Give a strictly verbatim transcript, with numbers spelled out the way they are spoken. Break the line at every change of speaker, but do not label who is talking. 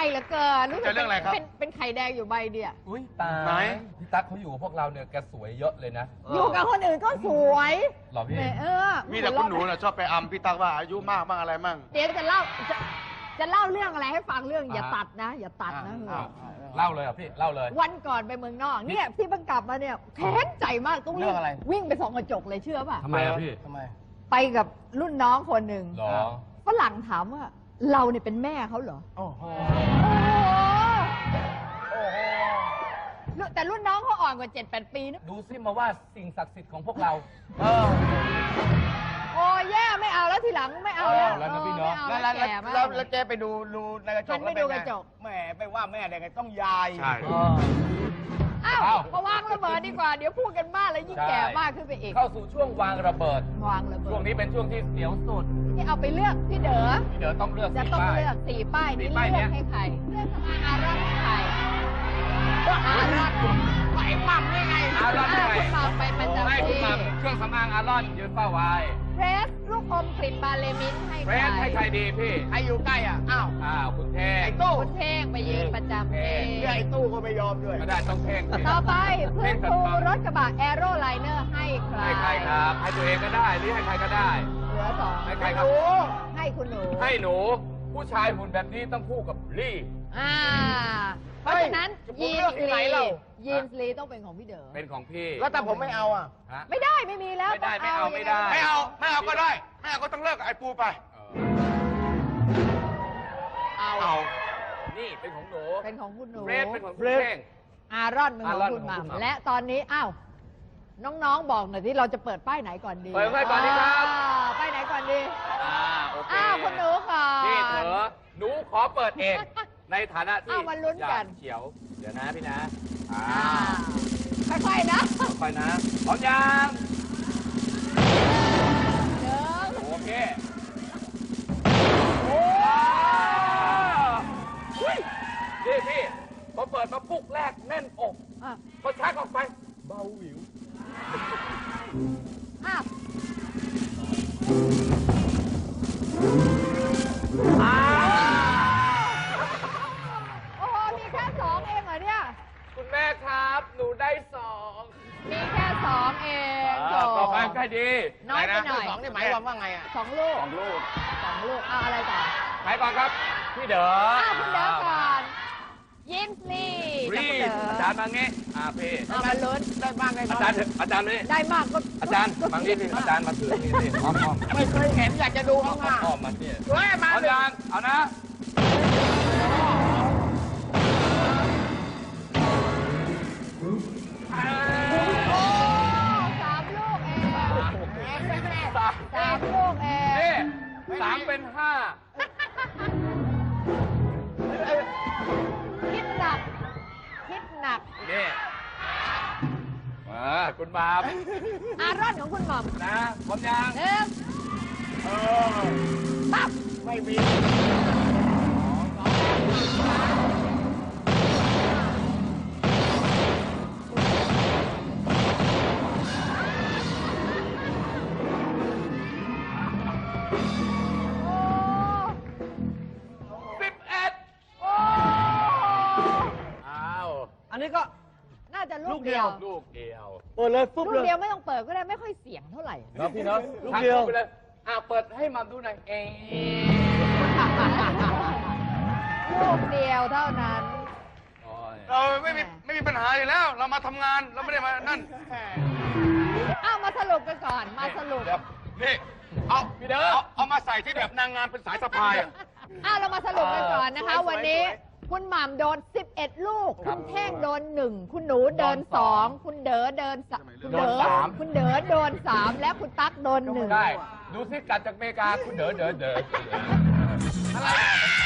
เหลือเกินรู้สึก
เรื่องอะไรครับ
เป็นเป็นไข่แดงอยู่ใบเดียว
อุ้ยตา
ไหน
ยพี่ตั๊กเขาอยู่กับพวกเราเนี่ยแกสวยเยอะเลยนะ
อยู่กับคนอื่นก็สวย
หรอพี่
แหมเออ
มีแต่คุณหนูน่ะชอบไปอำพี่ตั๊กว่าอายุมากบ้างอะไรมั่ง
เดี๋ยวจะเล่าจะจะเล่าเรื่องอะไรให้ฟังเรื่องอย่า
อ่า
ตัดนะ อย่าตัดนะ
อ้าวเล่าเลยเหรอ่ะพี่เล่าเลย
วันก่อนไปเมืองนอกเนี่ยที่เพิ่งกลับมาเนี่ยแค้นใจมากต้อง
เรื่องอะไร
วิ่งไปส่องกระจกเลยเชื่อป่ะ
ทำไมอ่ะพี่
ทำไม
ไปกับรุ่นน้องคนหนึ่ง
หรอ
ฝรั่งถามว่าเราเนี่ยเป็นแม่เขาเหรอ
โอ้โห
โอ้โหแต่รุ่นน้องเขาอ่อนกว่าเจ็ดแปดปีนะ
ดูซิมาว่าสิ่งศักดิ์สิทธิ์ของพวกเรา
เออ
โอ้แย่ไม่เอาแล้วทีหลังไม่เอาแล้ว
เอาแล้วนะพี่เนาะ
ไม่
แล้
เอา
ว
แล้ว
แล้ว
แก่มาก
แล้วแล้วเจ๊ไปดูดูในกระจ
ฉั
ก
น
แล้ว
ไปดู
เป็น
กระจก
แหมไปว่าแม่ได้ไงต้องยาย
ใช่
เออ
อ้าว
อ้าว
มาวางระเบิดดีกว่า เดี๋ยวพูดกันมากแล้วยิ่งแก่มากขึ้นไปอีก
เข้าสู่ช่วงวางระเบิด
วางระเบิด
ช่วงนี้เป็นช่วงที่เสียวสุด
ที่เอาไปเลือกพี่เด๋อ
พี่เดี๋ยวต้องเลือก
จะ
สี
ต้อง
ป้าย
เลือกสี่ป้าย
สี่
นี้
ป้าย
เลื
เนี้
อก
ย
ให้ใครเลือกสมาอารอนให้ใครอารอน
ไอ้ปั๊มนี่ไง
อารอน
อ่า
ให้
คุณมาไปประจำ
ให้คุณ
ที่
มาเครื่องสำอางอารอนยืนเฝ้าไว้
เฟรสลูกอมกลิ่นบาเลมินให้
เฟ
ใค
ร
ร
ชให้ใครดีพี่
ใครอยู่ใกล้อ่ะ อ้าว
อ้าวคุณเท่ง
ไอ้ตู้
คุณเท่งไปยืนประจำที่
เรื่องไอ้ตู้ก็ไม่ยอมด้วย
ก็ได้ต้องเท่งสิ
ต่อไปเพื่อนครู
เท่ง
รถกระบะแอโร่ไลเนอร์ให้ใคร
ให้ใครครับ ให้ตัวเองก็ได้หรือให้ใครก็ได้
เหลือสอง
ให้ใครครับ
ให้คุณหนู
ให้หนู ผู้ชายหุ่นแบบนี้ต้องคู่กับลี่
อ่า เพราะฉะนั้น
เฮ้ย
ยี
จะ
น
พูดเรื่องที่
ส์
ไหน
ลี
เรา
ยีนส์ลีต้องเป็นของพี่เด๋อ
เป็นของพี่
แล้วแต่ผมไม่เอาอ่ะ
ฮะ
ไม่ได้ไม่มีแล้ว
ไม่ได้
ต้อง
ไม่เอาไม่ได้
ไม่เอาไม่เอาก็ได้ไม่เอาก็ต้องเลิกกับไอ้ปูไป
เอา
เอา
นี่เป็นของหนู
เป็นของคุณหนู
เฟรชเป็นของคุณ
เฟรช
เท่ง
อารอนเป็นของ
อารอน
คุณห
ของคุณหม่ำ
ม่ำและตอนนี้อ้าวน้องๆบอกหน่อยที่เราจะเปิดป้ายไหนก่อนดี
เปิดป้ายก่อนดีครับ
อ่าป้ายไหนก่อนดี
อ่าโอเค
อ้าวคุณหนูก่อน
พี่เถอะหนูขอเปิดเอง ในฐานะที่
เอามาลุ้นกัน
อยาเขียว เดี๋ยวนะพี่นะอ่า
อ่าค่อยๆนะ
ค่อยๆนะพร้อมยัง
หนึ่ง
โอเค
โอ้
อุ้ยนี่พี่พอเปิดมาปุ๊กแรกแน่นอก
อ่ะ
พอชักออกไป เบาหวิว
อ้าว
อ้า
โอ้โหมีแค่สองเองเหรอเนี่ย
คุณแม่ครับ หนูได้สอง
มีแค่สองเอง
อ่าต่อไปใครดี
น้อยไปหน่อย
สองนี่หมายความว่าไงอ่ะ
สองลูก
สองลูก
สองลูกเอาอะไรต่อ
ใครก่อนครับ พี่เด๋อ
อ้าวคุณเด๋อก่อนยินส์ลีกับ
รี
คุณเด๋
บ
อ
อาจารย์มางี้อ่าพี่
เอามาลุ้น
ได้บ้างได้
อา
บ้าง
จารย์อาจารย์นี่
ได้มากก็
อาจารย์บางทีสิอาจารย์มาถือนี่สิอ้อมอ้อม
ไม่เคยเห็นอยากจะดูเขาอ่ะ
อ้อมมาสิ
เฮ้ยมา
เอา
เลย
จารย์เอานะเอ้ย
โอ้สามลูกเองสาม
สาม
ลูกเอง
นี่สามเป็นห้า
คิดหนัก คิดหนัก
นี่มาคุณมาม
อารอนของคุณหม่อม
นะพร้อมยัง
หนึ่ง
เออ
ปั๊บ
ไม่มี
โอ้
สิบเอ็ด
โอ้
อ้าว
อันนี้ก็
น่าจะ
ลู
ลูก
กเดี
เดี
ย
ยว ว
ลูกเดียว
เปิดเลยปุ๊บ
ลู
เล
ก
ย
เดียวไม่ต้องเปิดก็ได้ไม่ค่อยเสียงเท่าไหร่
เนาะพี่เนาะ
ลูกเดียว
ไปเลยอ่าเปิดให้มัมดูหน่อยเอง
ลูกเดียวเท่านั้น
เราไม่มีไม่มีปัญหาอยู่แล้ว เรามาทำงานเราไม่ได้มานั่น
อ้าวมาสรุปกันก่อน มาสรุป
เดี๋ยว
นี่เอา
พี่เด้อ
เอาเอามาใส่ที่แบบนางงามเป็นสายสะพายอะ
อ้าวเรามาสรุปกันก่อนนะคะ
สวยๆ
วันนี้
สวย
คุณหม่ำโดนสิบเอ็ดลูก คุณแท่งโดนหนึ่งคุณหนูเดินสองคุณเด๋อเดินสามคุณเด๋อคุณเด๋อโดนสามและคุณตั๊กโดนหนึ่ง
ได้ ดูซิกลับจากอเมริกาคุณเด๋อเด๋อเด๋อ
อะไร